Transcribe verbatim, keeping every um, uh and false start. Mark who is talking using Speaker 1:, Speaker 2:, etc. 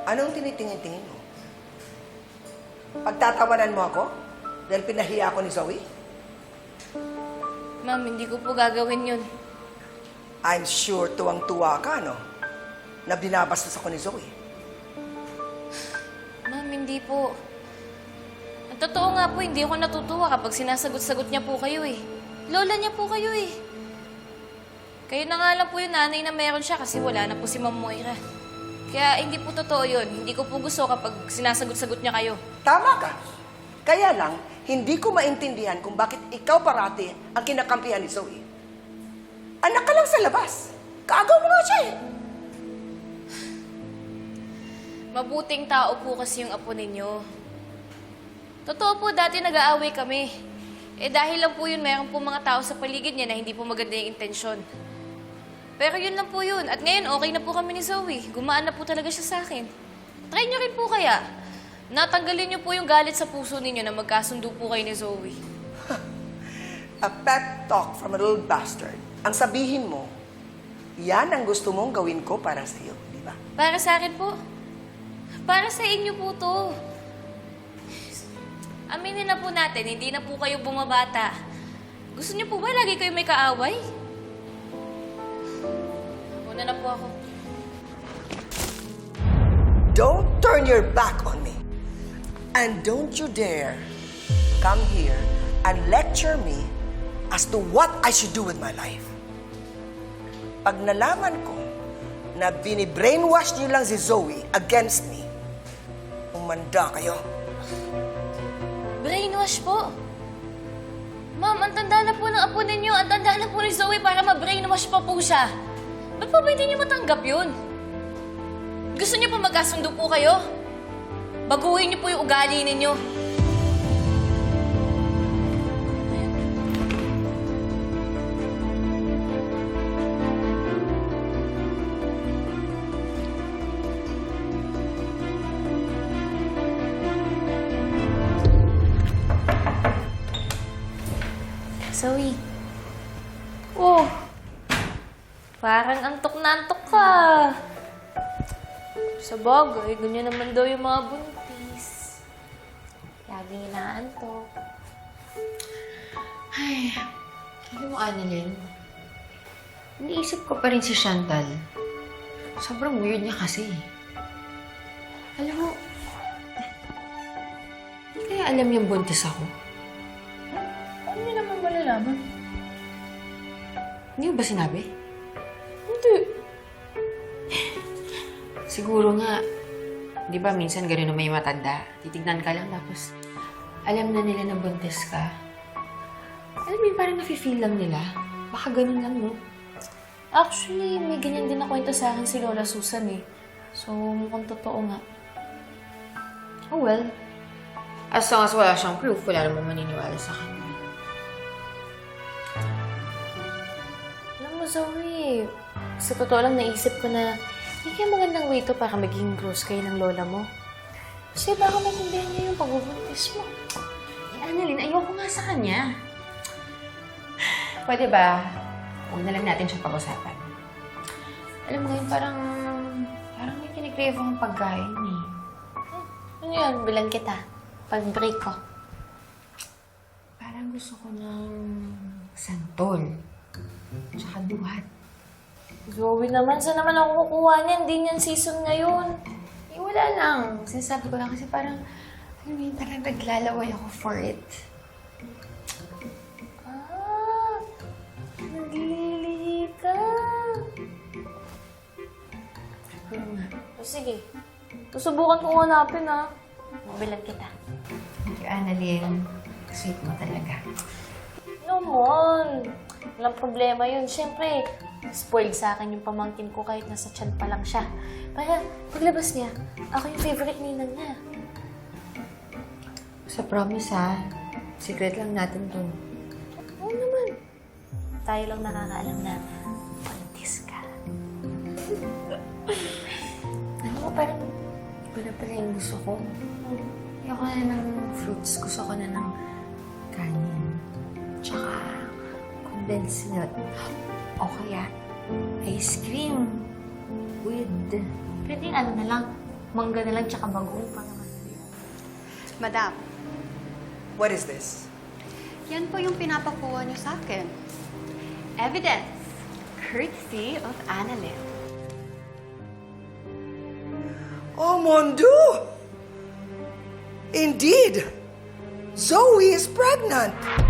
Speaker 1: Anong tinitingin-tingin mo? Pagtatawanan mo ako? Dahil pinahiya ako ni Zoe?
Speaker 2: Ma'am, hindi ko po gagawin yun.
Speaker 1: I'm sure tuwang-tuwa ka, no? Na binabastos ako ni Zoe.
Speaker 2: Ma'am, hindi po. Ang totoo nga po, hindi ako natutuwa kapag sinasagot-sagot niya po kayo eh. Lola niya po kayo eh. Kayo na nga lang po yung nanay na meron siya kasi wala na po si Ma'am Moira. Kaya hindi po totoo yun. Hindi ko po gusto kapag sinasagot-sagot niya kayo.
Speaker 1: Tama ka. Kaya lang, hindi ko maintindihan kung bakit ikaw parati ang kinakampihan ni Zoe. Anak ka lang sa labas. Kaagaw mo nga siya eh.
Speaker 2: Mabuting tao po kasi yung apo ninyo. Totoo po, dati nag-aaway kami. Eh dahil lang po yun, mayroon po mga tao sa paligid niya na hindi po maganda yung intensyon. Pero yun lang po yun. At ngayon, okay na po kami ni Zoe. Gumaan na po talaga siya sa akin. Try niyo rin po kaya. Natanggalin niyo po yung galit sa puso ninyo na magkasundo po kayo ni Zoe.
Speaker 1: A pet talk from a little bastard. Ang sabihin mo, yan ang gusto mong gawin ko para sa iyo, di ba?
Speaker 2: Para sa akin po. Para sa inyo po to. Aminin na po natin, hindi na po kayo bumabata. Gusto niyo po ba lagi kayo may kaaway? Una na po ako.
Speaker 1: Don't turn your back on me. And don't you dare come here and lecture me as to what I should do with my life. Pag nalaman ko na bini-brainwash niyo lang si Zoe against me, umanda kayo.
Speaker 2: Brainwash po? Ma'am, ang tanda na po ng apo ninyo. Ang tanda na po ni Zoe para ma-brainwash pa po siya. Ba't po ba hindi niyo matanggap yun? Gusto niyo po magkasundo po kayo? Baguhin niyo po yung ugali ninyo. Zoe. Oh. Parang antok na antok ka. Sa bagay, ganyan naman daw yung mga buntis. Laging inaantok.
Speaker 3: Ay, alam mo, Annalyn, iniisip ko pa rin si Chantal. Sobrang weird niya kasi. Alam mo, hindi kaya alam yung buntis ako?
Speaker 2: Ano niyo naman malalaman?
Speaker 3: Hindi mo ba sinabi?
Speaker 2: Hindi.
Speaker 3: Siguro nga, di ba minsan gano'n na may matanda. Titignan ka lang tapos alam na nila na buntis ka. Alam mo yun, parang nafe-feel lang nila. Baka ganun lang, no?
Speaker 2: Actually, may ganyan din na kwento sa akin si Lola Susan eh. So, mukhang totoo nga.
Speaker 3: Oh well. As long as wala siyang proof, wala namang maniniwala sa kanya.
Speaker 2: Alam mo, Zoe, sa totoo lang naisip ko na hindi kaya magandang way to para maging close kayo ng lola mo. Kasi baka maintindihan niya yung pagbubuntis mo.
Speaker 3: Eh, Annalyn, ayoko nga sa kanya. Pwede ba, huwag na lang natin siya pag-usapan. Alam mo ngayon, parang, parang may kinikrave akong pagkain eh.
Speaker 2: Ano yan? Bilan kita. Pag-break ko.
Speaker 3: Parang gusto ko ng santol. Tsaka duhat.
Speaker 2: Zoe naman, saan naman ako kukuha niyan? Hindi niyan season ngayon.
Speaker 3: Eh, wala lang. Sinasabi ko lang kasi parang, alam mo yun, parang naglalaway ako for it.
Speaker 2: Ah, naglilihi ka.
Speaker 3: Pero nga,
Speaker 2: O sige, susubukan kong hanapin ha. Mabilan kita.
Speaker 3: thank you, Annalyn. Sweet mo talaga.
Speaker 2: Naman. Walang problema yun. Siyempre, spoiled sa akin yung pamangkin ko kahit nasa tiyan pa lang siya. Para paglabas niya, ako yung favorite ninang niya.
Speaker 3: Sa promise ha, secret lang natin to.
Speaker 2: Oo naman. Tayo lang nakakaalam na buntis ka.
Speaker 3: Ano mo, parang iba na pala yung gusto ko. Ayoko na ng fruits. Gusto ko na ng kanin. Tsaka condensed milk. O kaya ice cream with...
Speaker 2: Pwede ano na lang,
Speaker 3: Mangga na lang tsaka bagoong pa naman.
Speaker 4: Madam,
Speaker 1: What is this?
Speaker 4: yan po yung pinapakuha niyo sa akin. Evidence, courtesy of Annalyn.
Speaker 1: Oh, mon Dieu! Indeed, Zoe is pregnant.